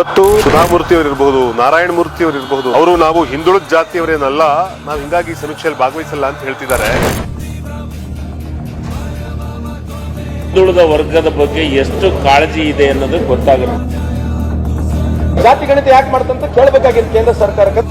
ಇವತ್ತು ಸುಧಾಮೂರ್ತಿ ಅವರಿರಬಹುದು, ನಾರಾಯಣ ಮೂರ್ತಿ ಅವರಿರಬಹುದು, ಅವರು ನಾವು ಹಿಂದುಳಿದ ಜಾತಿಯವರೇನಲ್ಲ, ನಾವು ಹಿಂಗಾಗಿ ಸಮೀಕ್ಷೆಯಲ್ಲಿ ಭಾಗವಹಿಸಲ್ಲ ಅಂತ ಹೇಳ್ತಿದ್ದಾರೆ. ಹಿಂದುಳಿದ ವರ್ಗದ ಬಗ್ಗೆ ಎಷ್ಟು ಕಾಳಜಿ ಇದೆ ಅನ್ನೋದು ಗೊತ್ತಾಗುತ್ತೆ. ಜಾತಿ ಗಣಿತ ಯಾಕೆ ಮಾಡ್ತಂತ ಕೇಳಬೇಕಾಗಿತ್ತು ಕೇಂದ್ರ ಸರ್ಕಾರಕ್ಕೆ.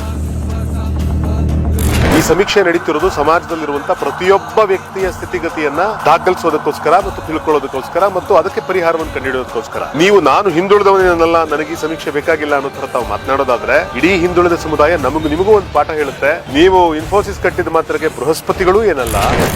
ಈ ಸಮೀಕ್ಷೆ ನಡೀತಿರೋದು ಸಮಾಜದಲ್ಲಿರುವಂತಹ ಪ್ರತಿಯೊಬ್ಬ ವ್ಯಕ್ತಿಯ ಸ್ಥಿತಿಗತಿಯನ್ನ ದಾಖಲಿಸೋದಕ್ಕೋಸ್ಕರ ಮತ್ತು ತಿಳ್ಕೊಳ್ಳೋದಕ್ಕೋಸ್ಕರ ಮತ್ತು ಅದಕ್ಕೆ ಪರಿಹಾರವನ್ನು ಕಂಡುಹಿಡಿಯೋದಕ್ಕೋಸ್ಕರ. ನೀವು ನಾನು ಹಿಂದುಳಿದವನೇನಲ್ಲ, ನನಗೆ ಈ ಸಮೀಕ್ಷೆ ಬೇಕಾಗಿಲ್ಲ ಅನ್ನೋ ತರ ತಾವು ಮಾತನಾಡೋದಾದ್ರೆ ಇಡೀ ಹಿಂದುಳಿದ ಸಮುದಾಯ ನಿಮಗೂ ಒಂದು ಪಾಠ ಹೇಳುತ್ತೆ. ನೀವು ಇನ್ಫೋಸಿಸ್ ಕಟ್ಟಿದ ಮಾತ್ರಕ್ಕೆ ಬೃಹಸ್ಪತಿಗಳು ಏನಲ್ಲ.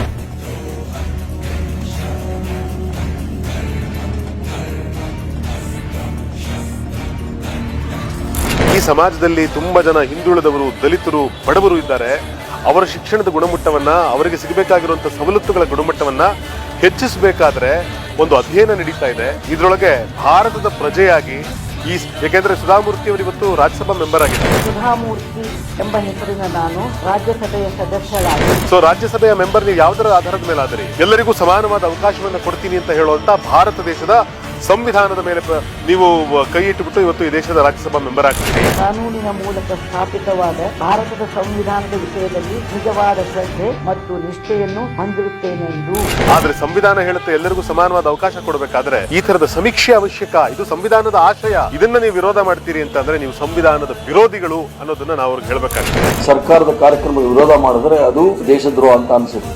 ಈ ಸಮಾಜದಲ್ಲಿ ತುಂಬಾ ಜನ ಹಿಂದುಳಿದವರು, ದಲಿತರು, ಬಡವರು ಇದ್ದಾರೆ. ಅವರ ಶಿಕ್ಷಣದ ಗುಣಮಟ್ಟವನ್ನ, ಅವರಿಗೆ ಸಿಗಬೇಕಾಗಿರುವಂತಹ ಸವಲತ್ತುಗಳ ಗುಣಮಟ್ಟವನ್ನ ಹೆಚ್ಚಿಸಬೇಕಾದ್ರೆ ಒಂದು ಅಧ್ಯಯನ ನಡೀತಾ ಇದೆ. ಇದರೊಳಗೆ ಭಾರತದ ಪ್ರಜೆಯಾಗಿ ಯಾಕೆಂದ್ರೆ ಸುಧಾಮೂರ್ತಿ ಅವರು ಇವತ್ತು ರಾಜ್ಯಸಭಾ ಮೆಂಬರ್ ಆಗಿದ್ದಾರೆ. ಸುಧಾಮೂರ್ತಿ ಎಂಬ ಹೆಸರಿನ ನಾನು ರಾಜ್ಯಸಭೆಯ ಸದಸ್ಯರಾಗಿ. ಸೊ ರಾಜ್ಯಸಭೆಯ ಮೆಂಬರ್ ನೀವು ಯಾವುದರ ಆಧಾರದ ಮೇಲೆ ಆದ್ರಿ? ಎಲ್ಲರಿಗೂ ಸಮಾನವಾದ ಅವಕಾಶವನ್ನ ಕೊಡ್ತೀನಿ ಅಂತ ಹೇಳುವಂತ ಭಾರತ ದೇಶದ ಸಂವಿಧಾನದ ಮೇಲೆ ನೀವು ಕೈ ಇಟ್ಟುಬಿಟ್ಟು ಇವತ್ತು ಈ ದೇಶದ ರಾಜ್ಯಸಭಾ ಮೆಂಬರ್ ಆಗ್ತೀರಿ. ಕಾನೂನಿನ ಮೂಲಕ ಸ್ಥಾಪಿತವಾದ ಭಾರತದ ಸಂವಿಧಾನದ ವಿಷಯದಲ್ಲಿ ನಿಜವಾದ ಶ್ರದ್ಧೆ ಮತ್ತು ನಿಷ್ಠೆಯನ್ನು ಹೊಂದಿರುತ್ತೇನೆ ಎಂದು. ಆದ್ರೆ ಸಂವಿಧಾನ ಹೇಳುತ್ತೆ ಎಲ್ಲರಿಗೂ ಸಮಾನವಾದ ಅವಕಾಶ ಕೊಡಬೇಕಾದ್ರೆ ಈ ತರದ ಸಮೀಕ್ಷೆ ಅವಶ್ಯಕ. ಇದು ಸಂವಿಧಾನದ ಆಶಯ. ಇದನ್ನ ನೀವು ವಿರೋಧ ಮಾಡ್ತೀರಿ ಅಂತಂದ್ರೆ ನೀವು ಸಂವಿಧಾನದ ವಿರೋಧಿಗಳು ಅನ್ನೋದನ್ನ ನಾವು ಅವ್ರಿಗೆ ಹೇಳ್ಬೇಕಾಗ್ತದೆ. ಸರ್ಕಾರದ ಕಾರ್ಯಕ್ರಮ ವಿರೋಧ ಮಾಡಿದ್ರೆ ಅದು ದೇಶದ್ರೋಹ ಅಂತ ಅನ್ಸುತ್ತೆ.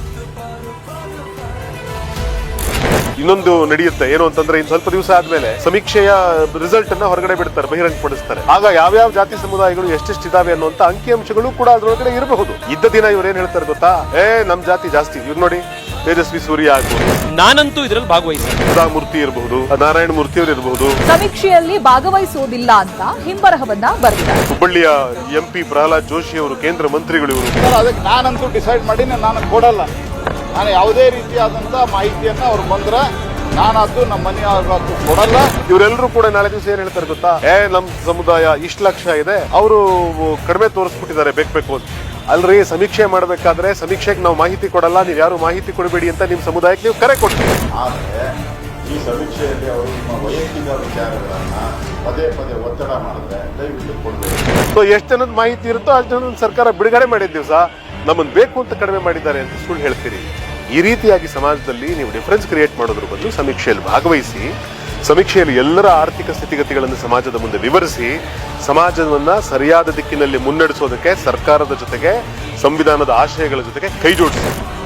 ಇನ್ನೊಂದು ನಡೆಯುತ್ತೆ ಏನು ಅಂತಂದ್ರೆ ಇನ್ನು ಸ್ವಲ್ಪ ದಿವಸ ಆದ್ಮೇಲೆ ಸಮೀಕ್ಷೆಯ ರಿಸಲ್ಟ್ ಅನ್ನ ಹೊರಗಡೆ ಬಿಡ್ತಾರೆ, ಬಹಿರಂಗಪಡಿಸ್ತಾರೆ. ಆಗ ಯಾವ್ಯಾವ ಜಾತಿ ಸಮುದಾಯಗಳು ಎಷ್ಟೆಷ್ಟು ಇದಾವೆ ಅನ್ನುವಂತ ಅಂಕಿಅಂಶಗಳು ಕೂಡ ಅದ್ರೊಳಗಡೆ ಇರಬಹುದು. ಇದ್ದ ದಿನ ಇವ್ರು ಏನ್ ಹೇಳ್ತಾರೆ ಗೊತ್ತಾ? ನಮ್ ಜಾತಿ ಜಾಸ್ತಿ. ಇವ್ರು ನೋಡಿ, ತೇಜಸ್ವಿ ಸೂರ್ಯ ಆಗ್ಬಹುದು, ನಾನಂತೂ ಇದರಲ್ಲಿ ಭಾಗವಹಿಸಿದೆ. ಸುಧಾಮೂರ್ತಿ ಇರಬಹುದು, ನಾರಾಯಣ ಮೂರ್ತಿ ಅವರು ಇರಬಹುದು. ಸಮೀಕ್ಷೆಯಲ್ಲಿ ಭಾಗವಹಿಸುವುದಿಲ್ಲ ಅಂತ ಹಿಂಬರಹವನ್ನ ಬರೆದಿದ್ದಾರೆ. ಹುಬ್ಬಳ್ಳಿಯ MP ಪ್ರಹ್ಲಾದ್ ಜೋಶಿ ಅವರು ಕೇಂದ್ರ ಮಂತ್ರಿಗಳು ಇವರು. ಅದಕ್ಕೆ ನಾನಂತೂ ಡಿಸೈಡ್ ಮಾಡಿ ನಾನು ಕೊಡಲ್ಲ. ನಾನು ಯಾವುದೇ ರೀತಿಯಾದಂತ ಮಾಹಿತಿಯನ್ನ ಅವ್ರು ಬಂದ್ರೆ ನಾನದ್ದು ನಮ್ಮ ಮನೆಯವ್ರಿಗಂತೂ ಕೊಡಲ್ಲ. ಇವರೆಲ್ಲರೂ ಕೂಡ ನಾಳೆ ದಿವಸ ಏನ್ ಹೇಳ್ತಾರೆ ಗೊತ್ತಾ? ನಮ್ ಸಮುದಾಯ ಇಷ್ಟು ಲಕ್ಷ ಇದೆ, ಅವರು ಕಡಿಮೆ ತೋರಿಸ್ಬಿಟ್ಟಿದ್ದಾರೆ ಬೇಕು ಅಂತ. ಅಲ್ರಿ, ಸಮೀಕ್ಷೆ ಮಾಡ್ಬೇಕಾದ್ರೆ ಸಮೀಕ್ಷೆಗೆ ನಾವು ಮಾಹಿತಿ ಕೊಡಲ್ಲ, ನೀವು ಯಾರು ಮಾಹಿತಿ ಕೊಡಬೇಡಿ ಅಂತ ನಿಮ್ ಸಮುದಾಯಕ್ಕೆ ನೀವು ಕರೆ ಕೊಡ್ತೀವಿ. ಆದರೆ ಈ ಸಮೀಕ್ಷೆಯಲ್ಲಿ ಅವರು ನಿಮ್ಮ ವೈಯಕ್ತಿಕ ವಿಚಾರಗಳನ್ನ ಪದೇ ಪದೇ ಒತ್ತಡ ಮಾಡಿದ್ರೆ ದಯವಿಟ್ಟು ಕೊಡಬೇಕು. ಸೊ ಎಷ್ಟು ಜನದ ಮಾಹಿತಿ ಇರುತ್ತೋ ಅಷ್ಟು ಜನ ಸರ್ಕಾರ ಬಿಡುಗಡೆ ಮಾಡಿದ ದಿವಸ ನಮ್ಮನ್ನು ಬೇಕು ಅಂತ ಕಡಿಮೆ ಮಾಡಿದ್ದಾರೆ ಅಂತ ಸುಳ್ಳು ಹೇಳ್ತೀರಿ. ಈ ರೀತಿಯಾಗಿ ಸಮಾಜದಲ್ಲಿ ನೀವು ಡಿಫರೆನ್ಸ್ ಕ್ರಿಯೇಟ್ ಮಾಡೋದ್ರ ಬದಲು ಸಮೀಕ್ಷೆಯಲ್ಲಿ ಭಾಗವಹಿಸಿ, ಸಮೀಕ್ಷೆಯಲ್ಲಿ ಎಲ್ಲರ ಆರ್ಥಿಕ ಸ್ಥಿತಿಗತಿಗಳನ್ನು ಸಮಾಜದ ಮುಂದೆ ವಿವರಿಸಿ, ಸಮಾಜವನ್ನ ಸರಿಯಾದ ದಿಕ್ಕಿನಲ್ಲಿ ಮುನ್ನಡೆಸೋದಕ್ಕೆ ಸರ್ಕಾರದ ಜೊತೆಗೆ ಸಂವಿಧಾನದ ಆಶಯಗಳ ಜೊತೆಗೆ ಕೈ ಜೋಡಿಸಿ.